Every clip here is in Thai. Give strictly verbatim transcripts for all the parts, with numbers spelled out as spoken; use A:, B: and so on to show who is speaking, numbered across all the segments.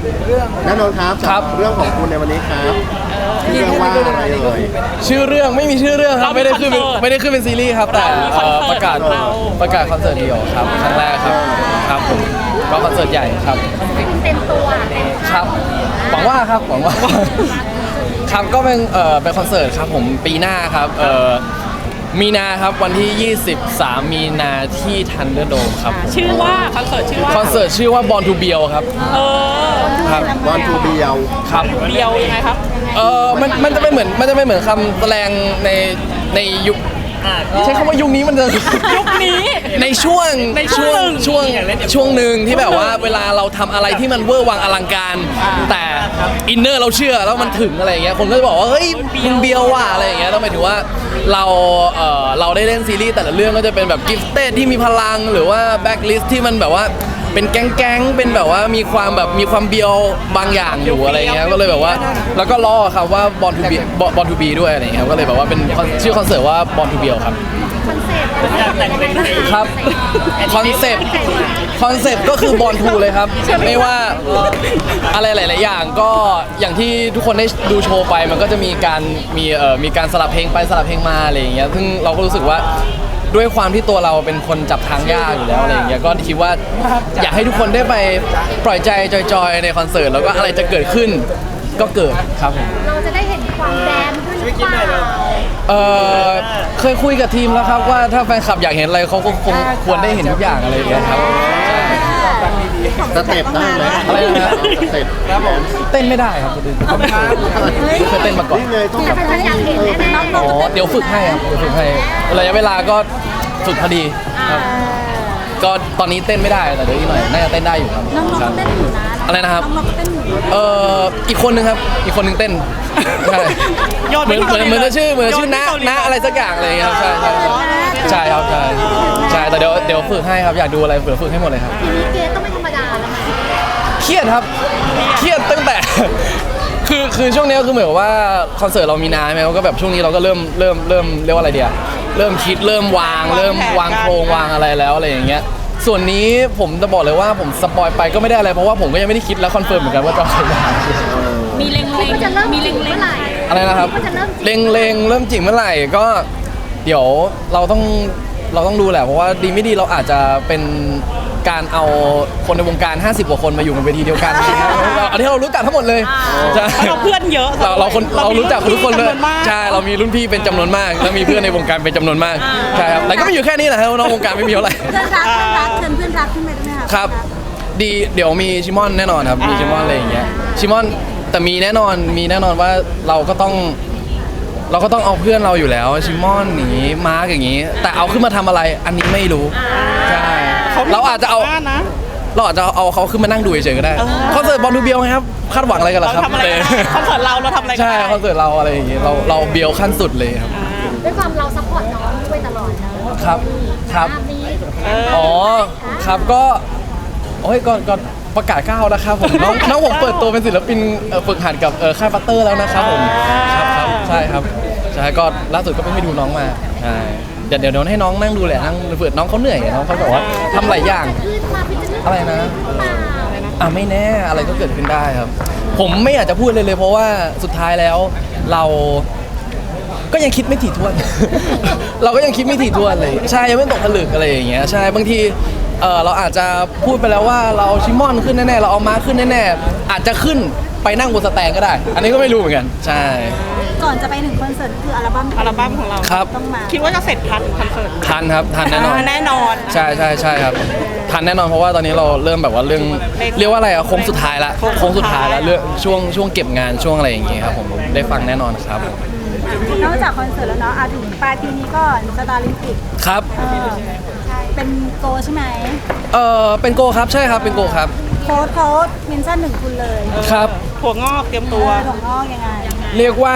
A: แน่นอนครับครับเรื่องของคุณในวันนี้ครับเรื่องว่าอะไรเอ่ย
B: ชื่อเรื่องไม่มีชื่อเรื่องครับไม่ได้ขึ้นไม่ได้ขึ้นเป็นซีรีส์ครับแต่ประกาศประกาศคอนเสิร์ตเดี่ยวครับครั้งแรกครับครับผมก็คอนเสิร์ตใหญ่ครับ
C: เต็มตัว
B: ครับหวังว่าครับหวังว่าครับก็เป็นเอ่อเป็นคอนเสิร์ตครับผมปีหน้าครับเอ่อมีนาครับวันที่ยี่สิบสามมีนาที่ทันเดอร์โดมครับ
D: ชื่อว่าคอนเสิร์ตชื่อว่า
B: คอนเสิร์ตชื่อว่า Born to Biel ครับ
D: เออ
B: ครับ
A: Born to Biel
B: ครับ
D: เบียวยังไงครับ
B: เออมันมันจะไม่เหมือนมันจะไม่เหมือนคำแสดงในในยุคใช้คำว่ายุคนี้มันจะ
D: ยุคนี้
B: ในช่วง
D: ในช่วง
B: ช่วงช่วงหนึ่งที่แบบว่าเวลาเราทำอะไรที่มันเวอร์วังอลังการแต่อินเนอร์เราเชื่อแล้วมันถึงอะไรอย่างเงี้ยคนก็จะบอกว่าเฮ้ยมันเบียวว่ะอะไรอย่างเงี้ยต้องหมายถึงว่าเราเออเราได้เล่นซีรีส์แต่ละเรื่องก็จะเป็นแบบกิฟเต็ดที่มีพลังหรือว่าแบ็คลิสต์ที่มันแบบว่าเป็นแก๊งๆเป็นแบบว่ามีความแบบมีความเบียวบางอย่างอยู่อะไรเงี้ยก็เลยแบบว่าแล้วก็ล่อครับว่า Born to Be Born to Be ด้วยอะไรเงี้ยก็เลยแบบว่าเป็นชื่อคอนเสิร์ตว่า Born to Biel ครับ
C: คอนเซ็ปต์
B: ครับคอนเซปต์คอนเซปต์ก็คือ Born to เลยครับไม่ว่าอะไรหลายๆอย่างก็อย่างที่ทุกคนได้ดูโชว์ไปมันก็จะมีการมีเอ่อมีการสลับเพลงไปสลับเพลงมาอะไรอย่างเงี้ยซึ่งเราก็รู้สึกว่าด้วยความที่ตัวเราเป็นคนจับทางยากอยู่แล้วอะไรอย่างเงี้ยก็คิดว่าอยากให้ทุกคนได้ไปปล่อยใจจอยๆในคอนเสิร์ตแล้วก็อะไรจะเกิดขึ้นก็เกิดครับผม
C: เราจะได้เห็นความแดนด้วยหรือเปล่า
B: เออเคยคุยกับทีมแล้วครับว่าถ้าแฟนคลับอยากเห็นอะไรเขาก็คงควรได้เห็นทุกอย่างอะไรอย่างเงี้ยครับใช่
A: สเต็ปได้ไหม
B: อะไรนะ
A: สเต็ปครับผม
B: เต้นไม่ได้ครับเขาไม่เคยไม่เคยเต้นมาก่อน
C: แต่แฟนๆอยากเห็นแน่ๆ
B: อ๋อเดี๋ยวฝึกให้ครับเดี๋ยวฝึกให้ระยะเวลาก็ฝึกพอดีครับก็ตอนนี้เต้นไม่ได้แต่เดี๋ยวอีกหน่อยน่าจะเต้นได้อยู่ครับ
C: น้องๆก็เต้นอยู่นะ
B: อะไรนะครับ
C: น้องๆก็เต้นอยู่
B: เอ่ออีกคนนึงครับอีกคนนึงเต้นใช่เหมือนเหมือนเหมือนชื่อเหมือนชื่อณณอะไรสักอย่างอะไรอย่างเงี้ยครับใช่ใช่ใช่ครับใช่ใช่แต่เดี๋ยวเดี๋ยวฝึกให้ครับอยากดูอะไรเดี๋ยวฝึกให้หมดเลยครับ
C: ทีนี้เกต้องไม่ธรรมดาแล้วไหม
B: เครียดครับเครียดตั้งแต่คือคือช่วงนี้คือเหมือนว่าคอนเสิร์ตเรามีนาใช่ไหมก็แบบช่วงนี้เราก็เริ่มเริ่มเริ่มเรียกว่าอะไรเดียเริ่มคิดเริ่มวางเริ่มวางโครงวางอะไรแล้วอะไรอย่างเงี้ยส่วนนี้ผมจะบอกเลยว่าผมสปอยไปก็ไม่ได้อะไรเพราะว่าผมก็ยังไม่ได้คิดและคอนเฟิร์มเหมือนกันว่าจะใครมา
D: มีเล็งเล็ง
C: จะเริ่มมีเล็งเมื่อไหร่
B: อะไรนะครับเล็งเล็งเริ่มจริงเมื่อไหร่ก็เดี๋ยวเราต้องเราต้องดูแหละเพราะว่าดีไม่ดีเราอาจจะเป็นการเอาคนในวงการห้าสิบกว่าคนมาอยู่ในเวทีเดียวกันอันที่เรารู้จักทั้งหมดเลย
D: ใช่เราเพื่อนเยอะ
B: เราเราคนเรารู้จักทุกคนเลยใช่เรามีรุ่นพี่เป็นจำนวนมากแล้วมีเพื่อนในวงการเป็นจำนวนมากใช่ครับแต่ก็ไม่อยู่แค่นี้แหละครับน้องวงการไม่มีเท่าไหร่
C: เพื่อนรักเพื่อนรักเชิญเพื่อนรักขึ้นไปได้ไหมครับ
B: ครับดีเดี๋ยวมีชิมอนแน่นอนครับมีชิมอนอะไรอย่างเงี้ยชิมอนแต่มีแน่นอนมีแน่นอนว่าเราก็ต้องเราก็ต้องเอาเพื่อนเราอยู่แล้วชิมอนอย่างงี้มาร์กอย่างงี้แต่เอาขึ้นมาทำอะไรอันนี้ไม่รู้ใช่เราอาจจะเอาเราอาจจะเอาเขาขึ้นมานั่งดูเฉยๆก็ได้คอนเสิร์ตบอลทูเบียวไงครับคาดหวังอะไรกันล่ะครับ
D: คอนเสิร์ตเราเราทำอะไร
B: ใช่คอนเสิร์ตเราอะไรอย่างงี้เราเราเบียวขั้นสุดเลยครับ
C: ด้วยความเราซัพพอร์ตน้องด้วยตลอด
B: นะครับครับอ๋อครับก็โอ้ยก่อนก่อนประกาศก้าวนะครับผมน้องน้องผมเปิดตัวเป็นศิลปินฝึกหัดกับค่ายฟัตเตอร์แล้วนะครับผมครับครับใช่ครับใช่ก็ล่าสุดก็เพิ่งไปดูน้องมาใช่เดี๋ยวเดี๋ยวให้น้องนั่งดูแหละนั่งเปิดน้องเขาเหนื่อยน้องเขาบอกว่าทำหลายอย่างอะไรนะอ่ะไม่แน่อะไรก็เกิดขึ้นได้ครับผมไม่อยากจะพูดเลยเลยเพราะว่าสุดท้ายแล้วเราก็ยังคิดไม่ถี่ถ้วนเราก็ยังคิดไม่ถี่ถ้วนเลยใช่ยังไม่ตกผลึกอะไรอย่างเงี้ยใช่บางทีเออเราอาจจะพูดไปแล้วว่าเราชิมอนขึ้นแน่ๆเราเอามาขึ้นแน่ๆอาจจะขึ้นไปนั่งบนสแตนก็ได้อันนี้ก็ไม่รู้เหมือนกันใช่
C: ก่อนจะไปถึงคอนเสิร์ตคืออัลบั้ม
D: อัลบั้มของเรา
B: ครับ
D: ต้องมาคิดว่าจะเสร็จทันคอนเสิร์ต
B: ทันครับทันแน่นอน
D: แน่นอน
B: ใช่ใช่ใช่ครับทันแน่นอนเพราะว่าตอนนี้เราเริ่มแบบว่าเรื่องเรียกว่าอะไรอะโค้งสุดท้ายละโค้งสุดท้ายแล้วเรื่องช่วงช่วงเก็บงานช่วงอะไรอย่างเงี้ยครับผมได้ฟังแน่นอนครับ
C: นอกจากคอนเสิร์ตแล้วเนาะอาถึงปลายปีนี้ก็สตาร์ลิมปิก
B: ครับ
C: เป็นโกใช่ไหม
B: เออเป็นโกครับใช่ครับเป็นโกครับ
C: โค้ดโค้ดเมนชั่นหนึ่งคุณเลย
B: ครับ
D: ถั่วงอกเตรียมตัว
C: ถั่วงอกยังไง
B: เรียกว่า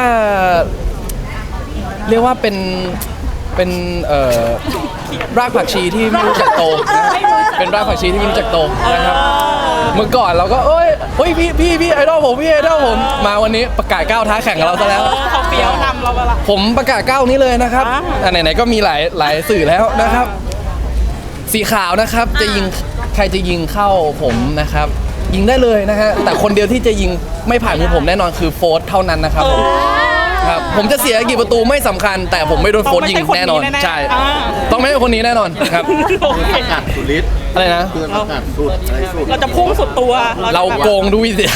B: เรียกว่าเป็นเป็นเอ่อรากผักชีที่ไม่รู้จักโตเป็นรากผักชีที่ไม่รู้จักโตนะครับเมื่อก่อนเราก็เอ้ยเฮ้ยพี่พี่พี่ไอดอลผมพี่ไอดอลผมมาวันนี้ประกาศก้าวท้าแข่งกับเราซะแล้ว
D: เขาเปียวนำเราไปละ
B: ผมประกาศก้าวนี้เลยนะครับไหนๆก็มีหลายหลายสื่อแล้วนะครับสีขาวนะครับจะยิงใครจะยิงเข้าผมนะครับยิงได้เลยนะฮะแต่คนเดียวที่จะยิงไม่ผ่านมือผมแน่นอนคือโฟร์ธเท่านั้นนะครับผมครับผมจะเสียกี่ประตูไม่สำคัญ แต่ผมไม่โดนโฟร์ธยิงแน่นอนใช่ต้องไม่ใช่คนนี้แน่นอนครับ
A: ประกาศสุดฤทธิ์
B: อะไรนะ
A: คือประกาศสุดอะไรสุด
D: เราจะพุ่งสุดตัว
B: เราโกงด้วยสิ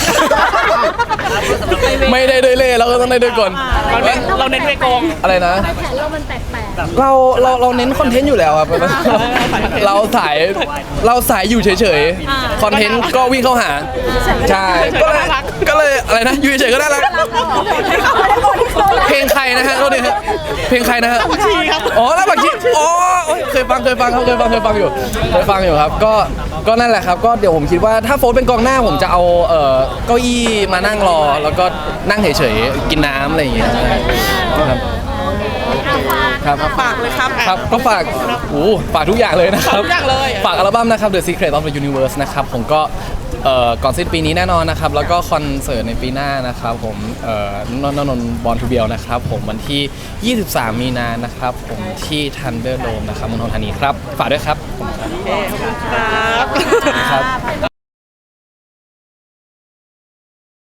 B: ไม่ได้ด้วยเล่เราก็ต้องได้ด้วยกล
D: เราเน้นเราเน้นไปโกง
B: อะไรนะ
C: แผนเรามันแปลก
B: เราเราเราเน้นคอนเทนต์อยู่แล้วครับ เราสายเราสายอยู่เฉยๆคอนเทนต์ก็วิ่งเข้าหาใช่ก็เลยก็เลยอะไรนะอยู่เฉยๆก็ได้ละเพลงใครนะฮะโทษทีฮะเพลงใครนะฮะ
D: ชีครับ
B: อ๋อแล้วบักชีอ๋อโอ๊ยเคยฟังเคยฟังครับเคยฟังเคยฟังอยู่เคยฟังอยู่ครับก็ก็นั่นแหละครับก็เดี๋ยวผมคิดว่าถ้าโฟร์เป็นกองหน้าผมจะเอาเอ่อเก้าอี้มานั่งรอแล้วก็นั่งเฉยๆกินน้ำอะไรอย่างเงี้ยครับครับ
D: ฝากเลยครับ
B: ครับก็ฝากโอ้ฝากทุกอย่างเลยนะครับ
D: ฝากทุกอย่างเลย
B: ฝากอัลบั้มนะครับ The Secret of the Universe นะครับผมก็เอ่อก่อนสิ้นปีนี้แน่นอนนะครับ แล้วก็คอนเสิร์ตในปีหน้านะครับผมเอ่อนนนนบอลทูเบียลนะครับผมวันที่ ยี่สิบสาม มีนานะครับผมที่ Thunder Dome นะครับเมืองทองธานีครับ ฝากด้วยครับผมครับ
D: ครับ
B: ครับ